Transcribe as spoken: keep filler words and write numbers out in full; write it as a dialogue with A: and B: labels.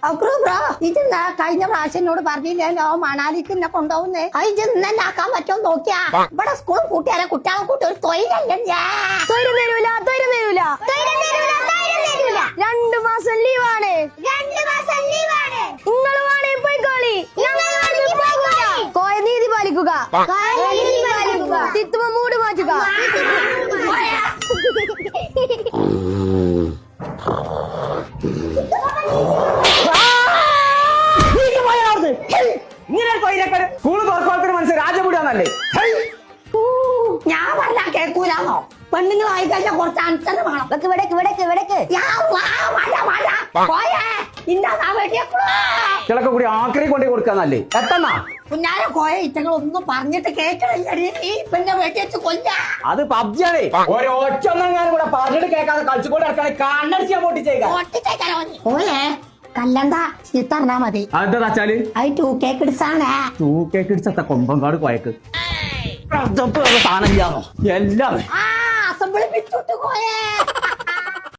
A: bro ഇതെന്നാ കഴിഞ്ഞ പ്രാവശ്യം എന്നോട് പറഞ്ഞില്ലല്ലോ മണാലിക്ക് എന്നെ കൊണ്ടുപോകുന്നേ അത് ഇത് ഇന്നെ ആക്കാൻ പറ്റുമോ നോക്കിയാ ഇവിടെ സ്കൂൾ കൂട്ടിയാരെ കുട്ടികളെ കൂട്ടി ഒരു തൊഴിലല്ലേ
B: തൊഴിലും തരൂല തൊഴിലും തരൂല രണ്ടു മാസം ലീവാണ് നിങ്ങൾ വേണേ പോയിക്കോളി കോയ നീതി പാലിക്കുക തിത്തുമ്പോ മൂട് മാറ്റുക
C: മനസ്സിൽ രാജപുടാന്നല്ലേ
A: ഞാൻ പറഞ്ഞ കേൾക്കൂലാന്നോ പെണ്ണുങ്ങളായി കഴിഞ്ഞാൽ കുറച്ച് അനുസരണം വേണം
B: വെക്ക് വിടക്ക് വിടക്ക് വിടക്ക്
C: ചിലക്ക് കൂടി ആക്രി കൊണ്ടേ കൊടുക്കാന്നല്ലേ എത്തന്നാ
A: കുഞ്ഞാരെ കോയ ഇറ്റങ്ങൾ ഒന്നും പറഞ്ഞിട്ട് കേൾക്കണില്ല ഈ പെണ്ണെ വെട്ടി വെച്ച് കൊല്ല
C: അത് പബ്ജിയാണേ ഒരൊറ്റ ഒന്നെങ്ങാനും കൂടെ പറഞ്ഞിട്ട് കേൾക്കാതെ കളിച്ചുകൊണ്ട് ഇറക്കാണെ കണ്ണടിച്ചാ പൊട്ടിച്ചേക്കാം
A: ഓയെ കല്ലണ്ട ചിത്തറിഞ്ഞാ മതി
C: അതെന്താ വെച്ചാല്
A: അത് ടൂ കേക്ക് ഇടിച്ചാണേ
C: ടൂ കേക്ക് ഇടിച്ചത്ത കൊമ്പങ്കാട് കോയക്ക് സാധനം ചെയ്യാമോ എല്ലാം
A: ആ അസംബ്ലി പിടിച്ചോട്ട് പോയേ